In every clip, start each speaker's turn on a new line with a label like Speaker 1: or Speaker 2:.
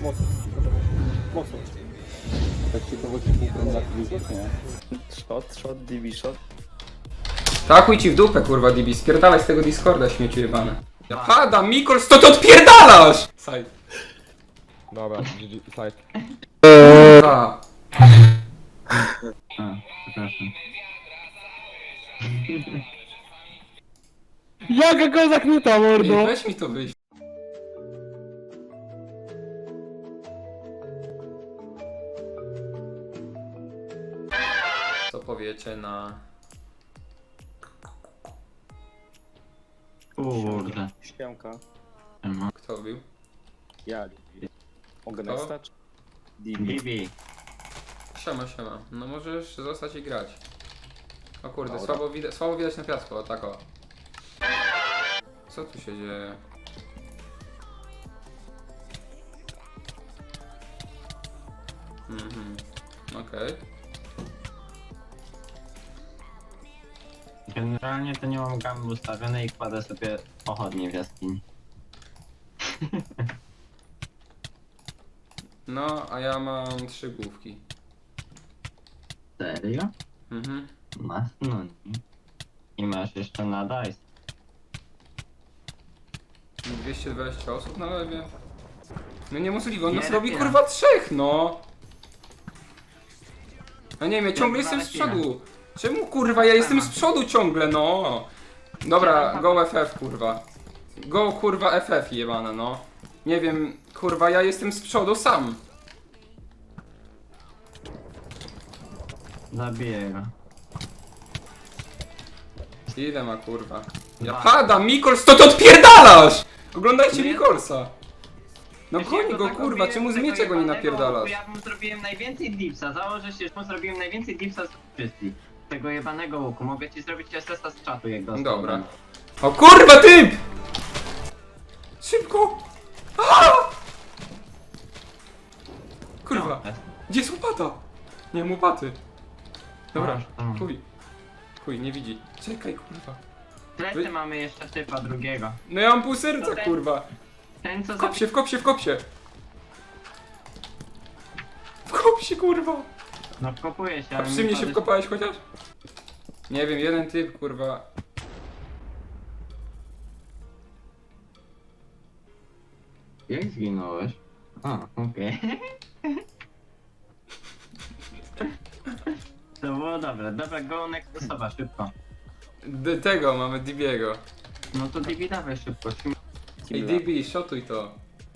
Speaker 1: Mocno. Mocno. Tak ciekawości punktem na klimat, nie?
Speaker 2: Shot, DB shot.
Speaker 3: Takuj ci w dupę, kurwa, DB, spierdalaj z tego Discorda, śmieciu jebane. Ja padam, Mikols, to ty odpierdalasz! Side.
Speaker 1: Dobra, GG, side.
Speaker 3: Kurwa.
Speaker 4: Przepraszam.
Speaker 1: Jaka go zaknuta, mordo!
Speaker 3: Ej, weź mi to wyjść. Co powiecie na...
Speaker 4: Kurde.
Speaker 2: Śpiąka.
Speaker 3: Kto bił?
Speaker 2: Ja. Mogę
Speaker 3: Kto?
Speaker 2: nastać? DB.
Speaker 4: Bibi.
Speaker 3: Siema, siema. No możesz zostać i grać. O kurde,
Speaker 2: Dobra.
Speaker 3: słabo widać na piasku, o tak o. Co tu się dzieje? Mhm, okej.
Speaker 4: Generalnie to nie mam gamy ustawionej i kładę sobie pochodnie w jaskini.
Speaker 3: No, a ja mam 3 główki.
Speaker 4: Serio?
Speaker 3: Mhm.
Speaker 4: Masz? No nie. I masz jeszcze na dice.
Speaker 3: 220 osób na lewie. No niemożliwe, on nas
Speaker 4: Nie,
Speaker 3: robi
Speaker 4: nie.
Speaker 3: kurwa 3, no! No nie wiem, ja ciągle jestem z przodu. Czemu kurwa, ja jestem z przodu ciągle, no! Dobra, go FF kurwa. Go kurwa FF jebane, no. Nie wiem, kurwa, ja jestem z przodu sam.
Speaker 4: Zabiję go.
Speaker 3: Ile ma kurwa? Ja
Speaker 4: Dwa.
Speaker 3: padam, Mikols, to ty odpierdalasz! Oglądajcie
Speaker 4: Nie.
Speaker 3: Mikolsa. No
Speaker 4: Wiesz,
Speaker 3: goń
Speaker 4: ja
Speaker 3: go
Speaker 4: tak
Speaker 3: kurwa,
Speaker 4: robiłem
Speaker 3: czemu z
Speaker 4: tego
Speaker 3: mieczego nie
Speaker 4: jebanego
Speaker 3: napierdalasz?
Speaker 4: łuku, Ja mu zrobiłem najwięcej dipsa. Założę się, że mu zrobiłem najwięcej dipsa z wszystkich. Tego jebanego łuku. Mogę ci zrobić SS-a z czatu, jak dostał.
Speaker 3: Dobra. O kurwa typ! Szybko! Aaa! Kurwa,
Speaker 4: No,
Speaker 3: gdzie jest łopata? Nie mam łopaty. Dobra,
Speaker 4: Masz, tam.
Speaker 3: chuj, nie widzi. Czekaj kurwa.
Speaker 4: W plecy mamy jeszcze typa drugiego.
Speaker 3: No ja mam pół serca
Speaker 4: To ten-
Speaker 3: kurwa.
Speaker 4: Ten co
Speaker 3: Wkop się, wkop się, wkop się. Wkop się kurwa.
Speaker 4: No kopuje się,
Speaker 3: A
Speaker 4: ale
Speaker 3: przy
Speaker 4: mi
Speaker 3: mnie się
Speaker 4: padać-
Speaker 3: wkopałeś chociaż? Nie wiem, jeden typ kurwa.
Speaker 4: Jak zginąłeś? A, okej. To było dobre. Dobra, go next osoba, szybko.
Speaker 3: Tego mamy Dibiego.
Speaker 4: No to DB dawaj szybko.
Speaker 3: Ej DB, szotuj to.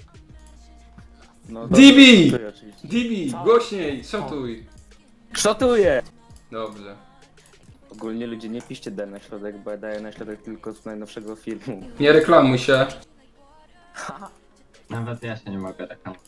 Speaker 2: No,
Speaker 3: DB!
Speaker 2: dobra, oczywiście.
Speaker 3: Dibi,
Speaker 2: Co?
Speaker 3: głośniej, szotuj.
Speaker 2: Szotuję!
Speaker 3: Dobrze.
Speaker 2: Ogólnie ludzie nie piszcie D na środek, bo ja daję na środek tylko z najnowszego filmu.
Speaker 3: Nie reklamuj się.
Speaker 4: Nawet ja się nie mogę reklamować.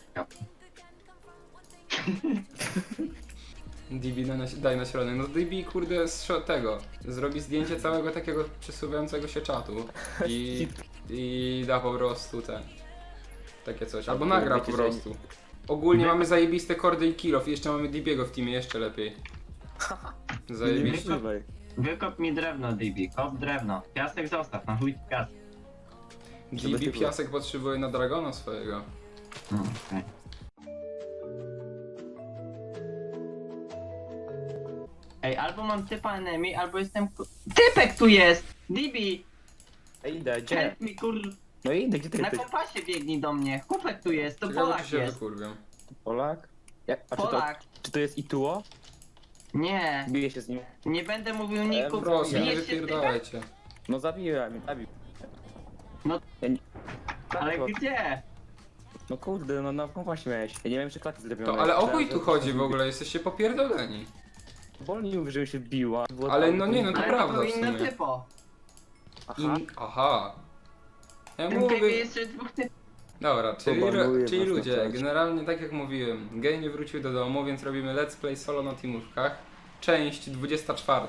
Speaker 3: DB daj na środek. No DB kurde tego. Zrobi zdjęcie całego takiego przesuwającego się czatu. I da po prostu ten. Takie coś. Albo nagra po
Speaker 2: Wiecie, że-
Speaker 3: prostu. Ogólnie mamy zajebiste kordy i kill off. I jeszcze mamy DB'ego w teamie, jeszcze lepiej. Zajebiście.
Speaker 2: Niemożliwe.
Speaker 4: Wykop mi drewno, DB. Kop drewno. Piasek zostaw, na chuj piasek.
Speaker 3: DB piasek potrzebuje na dragona swojego.
Speaker 4: No, okej. Ej, albo mam typa enemy, albo jestem Typek tu jest! DB!
Speaker 2: Ej, idę, gdzie?
Speaker 4: Help mi kur...
Speaker 2: No idę, gdzie ty
Speaker 4: Na
Speaker 2: jesteś?
Speaker 4: kompasie biegnij do mnie. Chłopek tu jest, to
Speaker 3: Ciekawe
Speaker 4: Polak
Speaker 3: czy się
Speaker 4: jest.
Speaker 3: wykurwią.
Speaker 2: Polak? A
Speaker 4: Polak.
Speaker 2: czy to jest Ituo?
Speaker 4: Nie,
Speaker 2: Biję się z nim.
Speaker 4: nie będę mówił ników.
Speaker 3: Proszę, nie
Speaker 4: Bijesz się z typem?
Speaker 3: wypierdalajcie.
Speaker 2: No zabiłem, zabił.
Speaker 4: No.
Speaker 2: Ja nie...
Speaker 4: Ale
Speaker 2: No,
Speaker 4: gdzie?
Speaker 2: no kurde, no na kompasie miałeś. Ja nie wiem, czy klaty zrobione.
Speaker 3: To ale o chuj
Speaker 2: Myślałem,
Speaker 3: tu
Speaker 2: że-
Speaker 3: chodzi w ogóle, jesteście popierdoleni.
Speaker 2: Bolnie mówi, że się biła. Było
Speaker 3: Ale
Speaker 2: tam-
Speaker 3: no nie, no to
Speaker 4: Ale
Speaker 3: prawda
Speaker 4: to był
Speaker 3: w
Speaker 4: inny
Speaker 3: sumie.
Speaker 4: typo.
Speaker 2: Aha.
Speaker 3: Aha. Ja
Speaker 4: W tym cave'ie
Speaker 3: mówię...
Speaker 4: jest jeszcze dwóch typów.
Speaker 3: Dobra,
Speaker 2: Pobanuję
Speaker 3: czyli
Speaker 2: was na
Speaker 3: ludzie,
Speaker 2: czacie.
Speaker 3: generalnie tak jak mówiłem, Gej nie wrócił do domu, więc robimy let's play solo na teamówkach. Część 24.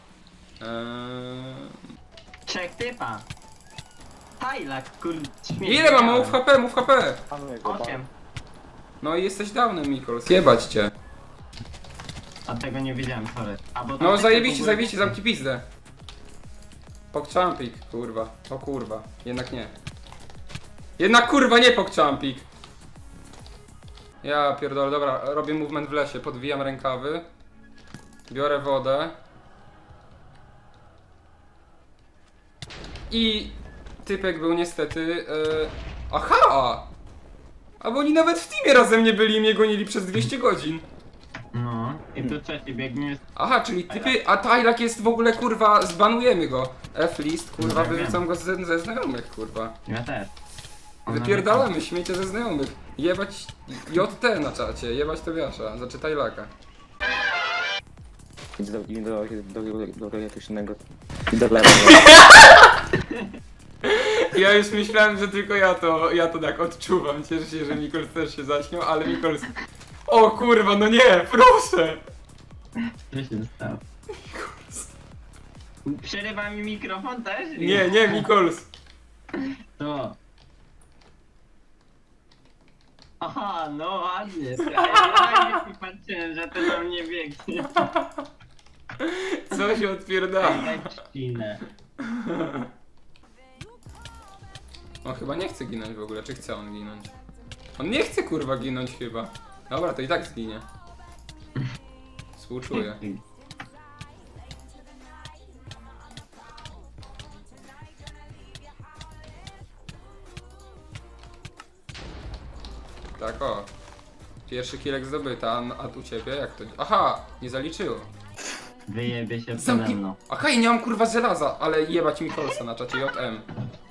Speaker 4: Trzech typa. Tajlak, kur...
Speaker 3: Ile mam? Mów HP, mów HP!
Speaker 2: Panuję go,
Speaker 4: 8.
Speaker 3: No i jesteś downem, Mikol, zjebać cię.
Speaker 4: A tego nie wiedziałem, sorry. A, bo tam
Speaker 3: No
Speaker 4: typy
Speaker 3: zajebiście,
Speaker 4: w ogóle-
Speaker 3: zajebiście, zamknij pizdę. Pokczampik, kurwa. O kurwa, jednak nie. Jednak kurwa nie pokczampik. Ja pierdolę, dobra, robię movement w lesie, podwijam rękawy. Biorę wodę. I typek był niestety... Aha! A bo oni nawet w teamie razem nie byli i mnie gonili przez 200 godzin.
Speaker 4: No, i tu trzeci biegnie.
Speaker 3: Aha, czyli typy... A Tajlak jest w ogóle, kurwa, zbanujemy go. F-list, kurwa,
Speaker 4: No,
Speaker 3: wyrzucam go ze znajomych, kurwa.
Speaker 4: Ja też.
Speaker 3: Wypierdalamy, śmiecie ze znajomych. Jebać JT na czacie, jebać Tobiasza, znaczy Tajlaka.
Speaker 2: Idź do elektrycznego. I do lewa.
Speaker 3: Ja już myślałem, że tylko ja to tak odczuwam. Cieszę się, że Mikols też się zaśmiał, ale Mikols... O kurwa, no nie, proszę!
Speaker 4: Co się stało? Przerywa mi mikrofon też?
Speaker 3: Nie, Mikols.
Speaker 4: To. Aha, no ładnie. Ja nie patrzyłem, że to na mnie biegnie.
Speaker 3: Co się odpierdala?
Speaker 4: Daj trzcinę.
Speaker 3: On chyba nie chce ginąć w ogóle, czy chce on ginąć? On nie chce kurwa ginąć chyba. Dobra, to i tak zginie. Współczuję. Tak o. Pierwszy kilek zdobyty, a u ciebie jak to... Aha! Nie zaliczyło.
Speaker 4: Wyjebie się przede
Speaker 3: Zamknij...
Speaker 4: mną.
Speaker 3: Aha, i nie mam kurwa żelaza, ale jebać Mikolsa na czacie JM.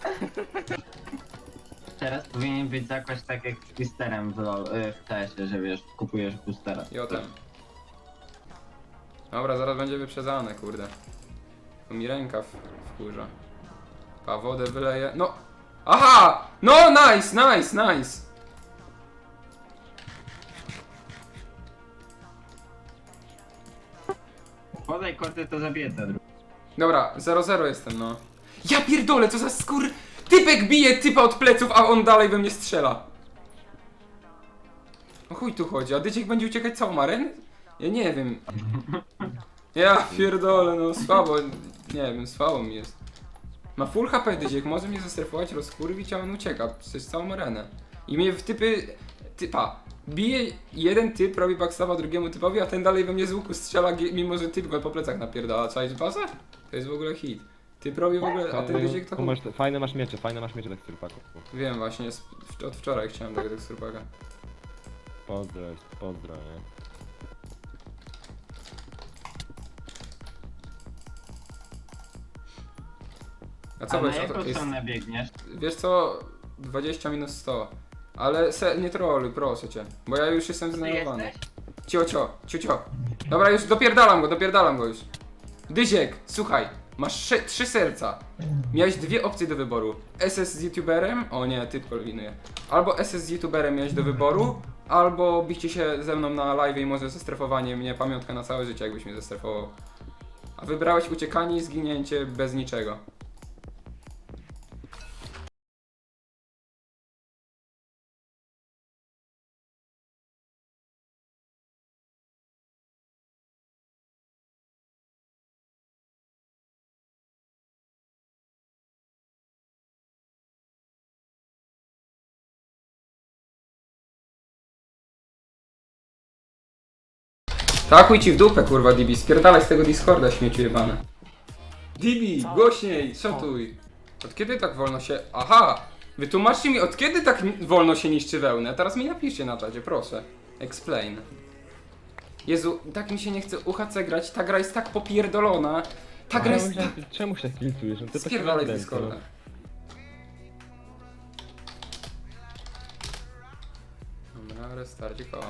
Speaker 4: Teraz powinien być jakoś tak jak z Twisterem w TS-ie, że wiesz, kupujesz boostera.
Speaker 3: JM. Dobra, zaraz będzie wyprzedzane, kurde. To mi rękaw wkurza. A wodę wyleję. No! Aha! No, nice!
Speaker 4: Podaj koty, to zabiję te drugie.
Speaker 3: Dobra, 0-0 jestem, no. Ja pierdolę, co za skór... Typek bije typa od pleców, a on dalej we mnie strzela. O chuj tu chodzi, a Dyciek będzie uciekać całą arenę? Ja nie wiem. Ja pierdolę, no słabo, nie wiem, słabo mi jest. Ma full HP Dyciek, może mnie zestrefować, rozkurwić, a on ucieka przez całą arenę. I mnie w typa, bije jeden typ, robi backstab'a drugiemu typowi, a ten dalej we mnie z łuku strzela, mimo że typ go po plecach napierdala. Czaisz bazę? To jest w ogóle hit. Typ robi w ogóle, a ten Dyciek to
Speaker 1: Tu masz, fajne masz miecze tak turpaku.
Speaker 3: Wiem właśnie, od wczoraj chciałem tego teksturpaka.
Speaker 1: Pozdro, nie?
Speaker 3: A co
Speaker 4: A na
Speaker 3: wiesz,
Speaker 4: jaką stronę biegniesz?
Speaker 3: wiesz co, 20 minus 100. Ale nie troluj, proszę cię, bo ja już jestem
Speaker 4: Ty
Speaker 3: zdenerwowany.
Speaker 4: jesteś?
Speaker 3: Cio. Dobra, już dopierdalam go już. Dyziek, słuchaj, masz 3 serca. Miałeś dwie opcje do wyboru. SS z youtuberem, o nie, typ kombinuje. Albo SS z youtuberem miałeś do wyboru, albo bicie się ze mną na live i może zestrefowanie mnie, pamiątka na całe życie, jakbyś mnie zestrefował. A wybrałeś uciekanie i zginięcie bez niczego. Takuj ci w dupę, kurwa, Dibi, spierdalaj z tego Discorda, śmieciu jebane. Dibi, głośniej, szatuj. Od kiedy tak wolno się... Aha! Wytłumaczcie mi, od kiedy tak wolno się niszczy wełnę? Teraz mi napiszcie na czacie, proszę. Explain. Jezu, tak mi się nie chce UHC grać, ta gra jest tak popierdolona. Ta gra jest...
Speaker 1: Czemu się tak tiltujesz? No to
Speaker 3: Spierdalaj z
Speaker 1: tak
Speaker 3: Discorda. Dobra, restarcik, o.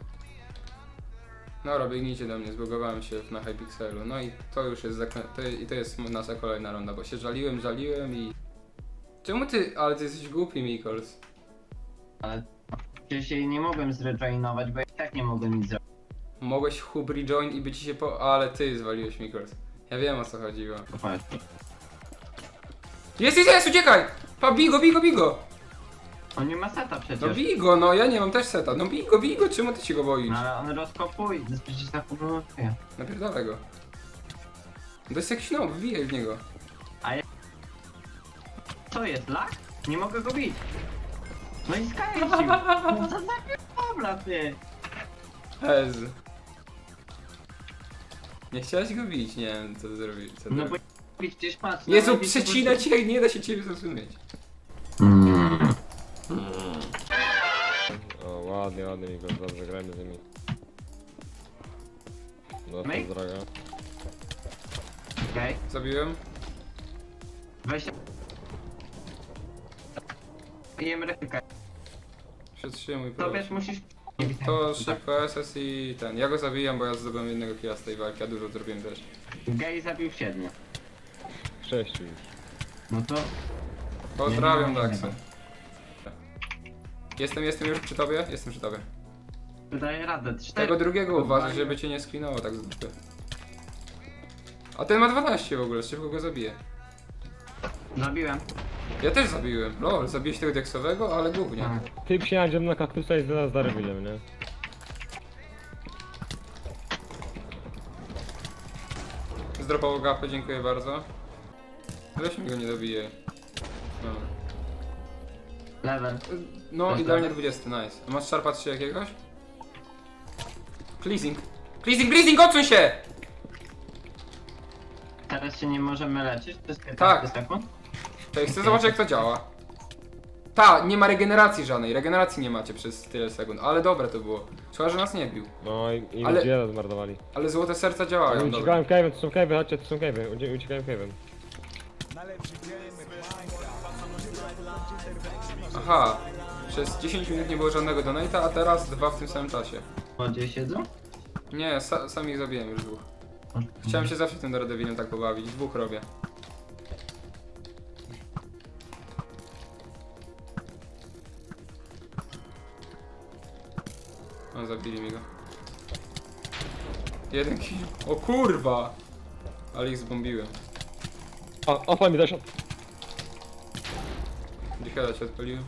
Speaker 3: Dobra, biegnijcie do mnie, zbugowałem się na Hypixelu. No i to już jest to jest nasza kolejna runda, bo się żaliłem i... Czemu ty... Ale ty jesteś głupi, Mikols.
Speaker 4: Ale przecież się nie mogłem zrejoinować, bo ja i tak nie mogłem nic zrobić.
Speaker 3: Mogłeś hub rejoin i by ci się Ale ty zwaliłeś, Mikols. Ja wiem, o co chodziło. Jest, uciekaj! Pa, bij go!
Speaker 4: On nie ma seta przecież.
Speaker 3: No bij go, no ja nie mam też seta. No bij go, czemu ty się go boisz?
Speaker 4: No ale on rozkopuje, przecież tak powoduje.
Speaker 3: Napierdolę go. To jest jakiś nob, wbijaj w niego.
Speaker 4: Co jest, lag? Nie mogę go bić. No i skręcił. No co za kobla, ty!
Speaker 3: Ez. Nie chciałeś go bić, nie wiem co zrobić. Co
Speaker 4: No bo
Speaker 3: zrobić.
Speaker 4: przecież patrz.
Speaker 3: Jezu,
Speaker 4: na razie
Speaker 3: przecina cię, nie da się ciebie zrozumieć.
Speaker 1: O, ładnie, ładnie mi go, dobrze, grajmy z nimi. No,
Speaker 4: Myk?
Speaker 1: to droga.
Speaker 4: Okej,
Speaker 3: Zabiłem?
Speaker 4: weź się. Jem rękę.
Speaker 3: Przetrzymuj
Speaker 4: To wiesz,
Speaker 3: proszę.
Speaker 4: musisz...
Speaker 3: To szybko SS i ten. Ja go zabijam, bo ja zdobyłem jednego killa z tej walki, a dużo zrobiłem też.
Speaker 4: Gej zabił 7.
Speaker 1: 6 już.
Speaker 4: No to...
Speaker 3: Pozdrawiam
Speaker 4: Nie ma
Speaker 3: Daxo. Jestem już przy tobie? Jestem przy tobie.
Speaker 4: Daję radę. 4.
Speaker 3: Tego drugiego uważaj, żeby cię nie sklinało tak z dupy. A ten ma 12 w ogóle, szybko go zabiję.
Speaker 4: Zabiłem.
Speaker 3: Ja też zabiłem. Lol, zabiłeś tego diaksowego, ale głównie.
Speaker 1: Ty przyjadziemy na kaktusa i zaraz za Rewilem, nie?
Speaker 3: Zdropało gapę, dziękuję bardzo. Weź mi go nie dobije. No,
Speaker 4: Level.
Speaker 3: no
Speaker 4: Też
Speaker 3: idealnie
Speaker 4: level?
Speaker 3: 20, nice. A masz szarpa 3 jakiegoś? Pleasing. Pleasing, odsuń się!
Speaker 4: Teraz się nie możemy leczyć? To jest 15
Speaker 3: Tak.
Speaker 4: sekund?
Speaker 3: Cześć, chcę zobaczyć jak to działa. Ta, nie ma regeneracji żadnej, regeneracji nie macie przez tyle sekund, ale dobre to było. Szkoda, że nas nie bił.
Speaker 1: No i
Speaker 3: Ale-
Speaker 1: ludzie zmordowali.
Speaker 3: Ale złote serca działają, dobra.
Speaker 1: Uciekałem cave'em, to są cave'y, chodźcie, to są cave'y, uciekałem cave'em.
Speaker 3: Aha, przez 10 minut nie było żadnego donate'a, a teraz 2 w tym samym czasie.
Speaker 4: Gdzie siedzą?
Speaker 3: Nie, sam ich zabiłem już 2. Chciałem się zawsze tym Daredevilem tak pobawić, 2 robię. O, zabili mi go. 1 kill. O kurwa! Ale ich zbombiłem.
Speaker 1: O, opal mi zaszedł.
Speaker 3: Dziecheda się odpaliłem.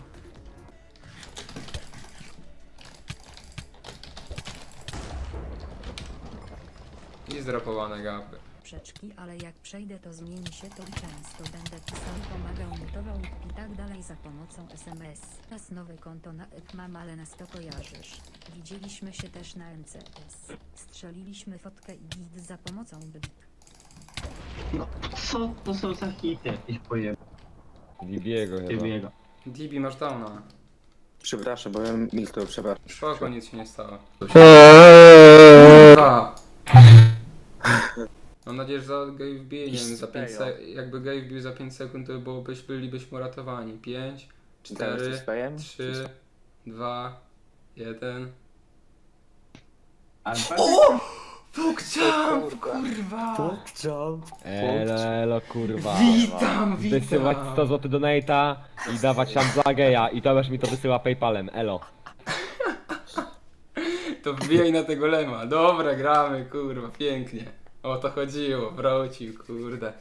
Speaker 3: I zdrapowane gapy.
Speaker 5: Przeczki, ale jak przejdę to zmieni się to i często będę pisał, pomagał, mutował i tak dalej za pomocą SMS. Teraz nowe konto na ek mam, ale nas to kojarzysz. Widzieliśmy się też na MCS. Strzeliliśmy fotkę i git za pomocą blik.
Speaker 4: No, co to są za hity? Jakieś pojeby.
Speaker 1: Dibiego chyba.
Speaker 4: Ciebie.
Speaker 3: DB masz downa.
Speaker 2: Przepraszam, bo ja milknął, przepraszam.
Speaker 3: Spoko, nic się nie stało. Mam nadzieję, że za gej wbije, nie wiem, za 5 jakby gej wbił za 5 sekund, to bylibyśmy uratowani. 5, 4, 3, 2, 1.
Speaker 4: O!
Speaker 3: Pokczam, kurwa!
Speaker 1: Elo, kurwa.
Speaker 3: Witam,
Speaker 1: Wysyłać 100 zł donate'a i dawać tam dla geja i Tomasz mi to wysyła PayPalem, elo.
Speaker 3: To wbijaj na tego lema. Dobra, gramy, kurwa, pięknie. O to chodziło, wrócił, kurde.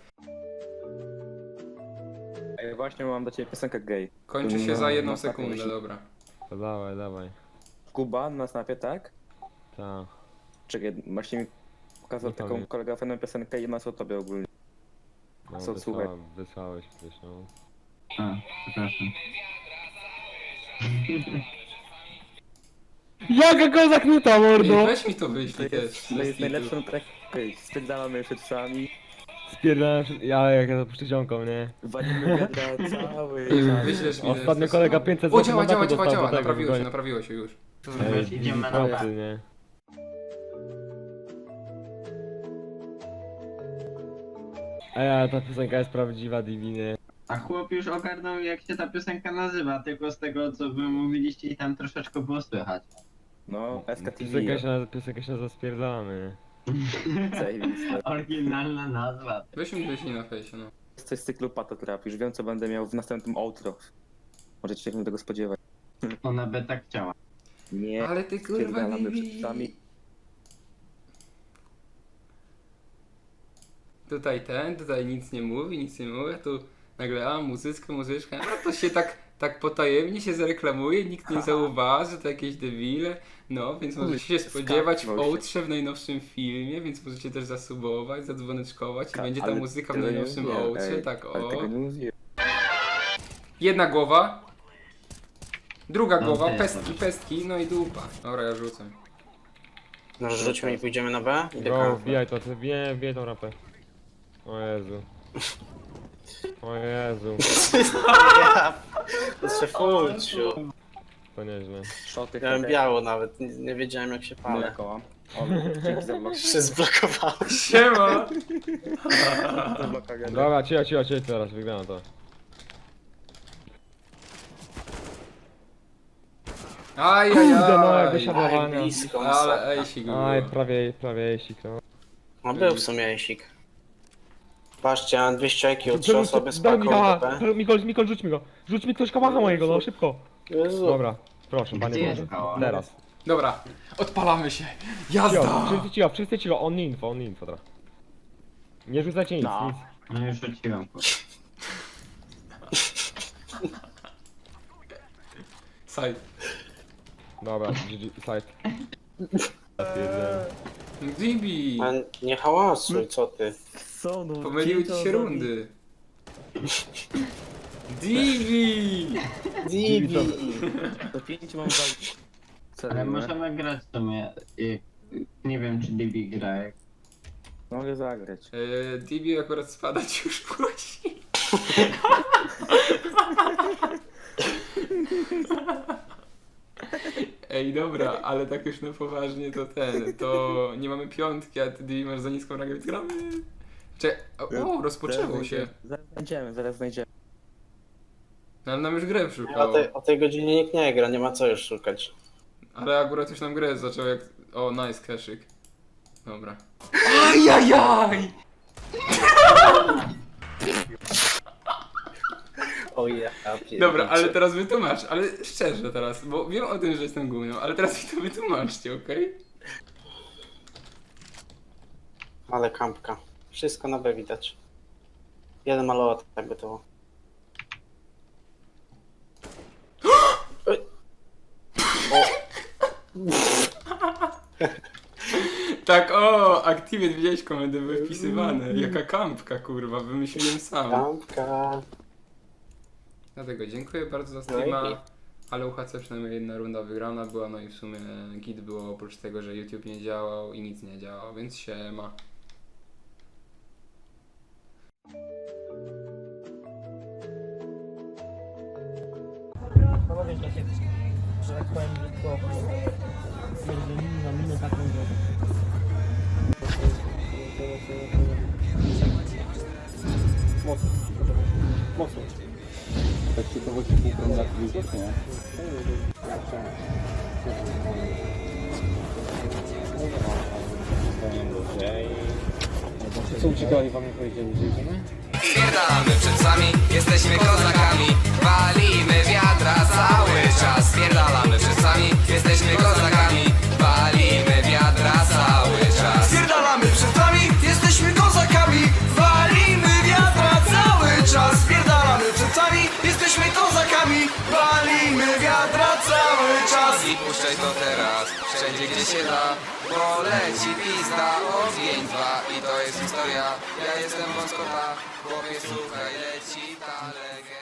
Speaker 2: Ej, właśnie mam do ciebie piosenkę gay.
Speaker 3: Kończy się za 1
Speaker 2: No,
Speaker 3: sekundę,
Speaker 2: myśli.
Speaker 3: dobra.
Speaker 1: To dawaj, dawaj.
Speaker 2: Kuba na snapie, tak?
Speaker 1: Ta.
Speaker 2: Czekaj, właśnie mi pokazał
Speaker 1: Nie
Speaker 2: taką
Speaker 1: pamiętam.
Speaker 2: kolega fajną piosenkę i ma co o tobie ogólnie.
Speaker 1: No,
Speaker 2: Co, słuchaj.
Speaker 1: wysłałeś gdzieś, no.
Speaker 4: A, przepraszam.
Speaker 1: Jaka kozak nuta, mordo!
Speaker 3: Ej, weź mi to wyślij też.
Speaker 2: To jest
Speaker 3: bez kitu.
Speaker 2: najlepszą track. Okej, spierdalamy szybcami,
Speaker 1: Spierdalam, ja to puszczę ziomką, nie?
Speaker 2: walimy wiadra cały.
Speaker 3: Wyślesz mi
Speaker 1: Ostatnio
Speaker 3: też.
Speaker 1: kolega 500
Speaker 3: O,
Speaker 1: zł
Speaker 3: działa,
Speaker 1: mandatu
Speaker 3: działa,
Speaker 1: dostał
Speaker 3: działa,
Speaker 1: do tego,
Speaker 3: naprawiło się już.
Speaker 1: Ej,
Speaker 4: Idziemy na
Speaker 1: procy,
Speaker 4: nowe.
Speaker 1: nie? Ej, ale ta piosenka jest prawdziwa, Diviny.
Speaker 4: A chłop już ogarnął jak się ta piosenka nazywa, tylko z tego co wy mówiliście i tam troszeczkę było słychać.
Speaker 2: No,
Speaker 1: Piosenka
Speaker 2: SKTV.
Speaker 1: się nazywa Spierdalamy.
Speaker 2: Zajebiste.
Speaker 4: Oryginalna nazwa.
Speaker 3: Weź mi wyślij na fejsie, no.
Speaker 2: Coś z cyklu Patotrap, już wiem co będę miał w następnym outro. Możecie się tego spodziewać.
Speaker 4: Ona by tak chciała.
Speaker 2: Nie,
Speaker 3: Ale ty kurwa
Speaker 2: spierdalamy
Speaker 3: Bibi.
Speaker 2: szybcami.
Speaker 3: Tutaj nic nie mówi, tu nagle muzyczka, no to się tak potajemnie się zareklamuje, nikt nie zauważy, to jakieś debile, no więc możecie się spodziewać w
Speaker 2: Skapnął się.
Speaker 3: outrze w najnowszym filmie, więc możecie też zasubować, zadzwoneczkować i będzie ta
Speaker 2: Ale
Speaker 3: muzyka w
Speaker 2: tego nie
Speaker 3: najnowszym
Speaker 2: mówiłem,
Speaker 3: outrze,
Speaker 2: ej,
Speaker 3: tak
Speaker 2: ale
Speaker 3: o.
Speaker 2: tego nie mówiłem.
Speaker 3: Jedna głowa, Druga
Speaker 4: No,
Speaker 3: głowa,
Speaker 4: to jest
Speaker 3: pestki, no i dupa. Dobra, ja rzucę.
Speaker 6: No rzućmy i pójdziemy na B? Idę
Speaker 1: Go,
Speaker 6: kampę.
Speaker 1: wbijaj to, wbijaj tą rampę. O Jezu. O Jezu,
Speaker 6: Ja, to się fuciu.
Speaker 1: to nieźle.
Speaker 2: Szoty,
Speaker 6: Miałem biało nawet, nie wiedziałem jak się
Speaker 2: No
Speaker 6: palę.
Speaker 2: koła. O, dzięki za blok.
Speaker 6: Się zblokowało.
Speaker 3: Siema!
Speaker 2: To blok AGD.
Speaker 1: Dobra, cicho teraz, wygrałem to. Kurde, no, jak
Speaker 3: Ajajaj.
Speaker 1: wysiadowania.
Speaker 6: Aj, blisko.
Speaker 3: Ale ejsik
Speaker 1: Aj,
Speaker 3: było.
Speaker 1: prawie jeślik, no.
Speaker 6: No był w sumie jesik. Patrzcie, mam 200 IQ, 3 osoby z
Speaker 1: Daj
Speaker 6: paką
Speaker 1: Mikoła,
Speaker 6: BP.
Speaker 1: Mikol, rzuć mi go. Rzuć mi ktoś kałacha mojego, no szybko.
Speaker 6: Jezu.
Speaker 1: Dobra, proszę,
Speaker 4: Gdzie
Speaker 1: panie
Speaker 4: jest
Speaker 1: Boże.
Speaker 4: kałach?
Speaker 1: Teraz.
Speaker 3: Dobra, odpalamy się. Jazda!
Speaker 1: Wszyscy cicho, on info, teraz. Nie rzucajcie nic,
Speaker 2: No.
Speaker 1: nic.
Speaker 4: No już rzuciłem.
Speaker 3: Side.
Speaker 1: Dobra, GG, side. Ja pierdzielę.
Speaker 3: Dibi!
Speaker 6: A nie hałasuj, co ty?
Speaker 2: Co no?
Speaker 3: Pomyliły ci się rundy. Dibi!
Speaker 6: Divi!
Speaker 2: Do 5 mam za...
Speaker 4: Ale możemy grać w sumie. Nie wiem czy DB gra jak.
Speaker 2: Mogę zagrać.
Speaker 3: Dibi akurat spadać już musi. Ej, dobra, ale tak już na poważnie to nie mamy piątki, a ty Dibi masz za niską rangę, więc gramy. O, rozpoczęło się.
Speaker 2: Zaraz znajdziemy.
Speaker 3: No, ale nam już grę
Speaker 6: O
Speaker 3: szukało.
Speaker 6: tej, o tej godzinie nikt nie gra, nie ma co już szukać.
Speaker 3: Ale akurat już nam grę zaczął jak... O, nice, kaszyk. Dobra. Ajajaj!
Speaker 6: O ja,
Speaker 3: Dobra, ale teraz wytłumacz, ale szczerze teraz, bo wiem o tym, że jestem gównią, ale teraz mi to wytłumaczcie, okej?
Speaker 6: Ale kampka. Wszystko na B widać. Jeden malować tak gotowo. Oj.
Speaker 3: Tak, o, Activate, widziałeś komendy były wpisywane. Jaka kampka, kurwa, wymyśliłem sam.
Speaker 6: Kampka.
Speaker 3: Dlatego dziękuję bardzo za
Speaker 6: No
Speaker 3: streama,
Speaker 6: i-
Speaker 3: ale UHC przynajmniej jedna runda wygrana była, no i w sumie git było oprócz tego, że YouTube nie działał i nic nie działał, więc siema.
Speaker 7: Panowie, że tak powiem, tylko stwierdzili na minę taką, że... Mocno, mocno.
Speaker 2: Tak ci to chodzi pół na widok, nie? Co uciekali wam nie powiedzieli, że idziemy?
Speaker 8: Spierdalamy przed psami, jesteśmy kozakami. Walimy wiadra cały czas. Spierdalamy przed psami, jesteśmy kozakami. Walimy wiadra cały czas. Spierdalamy przed psami, jesteśmy kozakami. Walimy wiadra cały czas. Spierdalamy przed psami, jesteśmy kozakami. Walimy wiadra cały czas. I puszczaj to teraz, wszędzie gdzie się da. Bo leci pizda, ogień 2 i to jest historia. Ja jestem wąskota, chłopie słuchaj, leci ta legenda.